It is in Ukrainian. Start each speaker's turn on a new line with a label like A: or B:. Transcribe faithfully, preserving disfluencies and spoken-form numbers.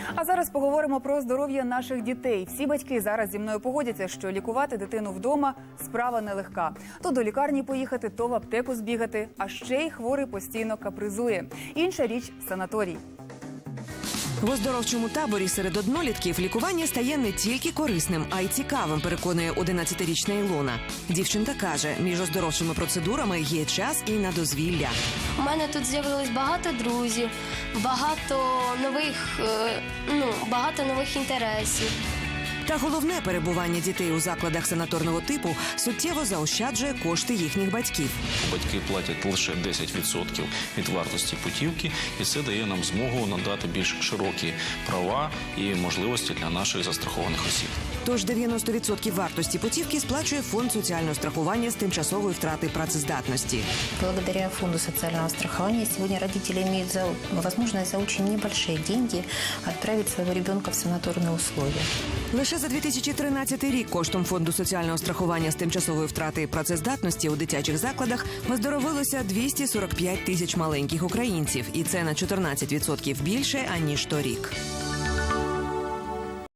A: А зараз поговоримо про здоров'я наших дітей. Всі батьки зараз зі мною погодяться, що лікувати дитину вдома – справа нелегка. То до лікарні поїхати, то в аптеку збігати, а ще й хворий постійно капризує. Інша річ – санаторій.
B: В оздоровчому таборі серед однолітків лікування стає не тільки корисним, а й цікавим, переконує одинадцятирічна Ілона. Дівчинка каже, між оздоровчими процедурами є час і на дозвілля.
C: У мене тут з'явилось багато друзів, багато нових, е, ну, багато нових інтересів.
B: Та головне, перебування дітей у закладах санаторного типу суттєво заощаджує кошти їхніх батьків.
D: Батьки платять лише десять відсотків від вартості путівки, і це дає нам змогу надати більш широкі права і можливості для наших застрахованих осіб.
B: Тож дев'яносто відсотків вартості путівки сплачує фонд соціального страхування з тимчасової втрати працездатності.
E: Благодаря фонду социального страхования сегодня родители имеют за, возможность за очень небольшие деньги отправить своего ребенка в санаторные условия.
B: Лише за дві тисячі тринадцятий рік коштом фонду соціального страхування з тимчасової втрати працездатності у дитячих закладах оздоровилося двісті сорок п'ять тисяч маленьких українців. І це на чотирнадцять відсотків більше, аніж торік.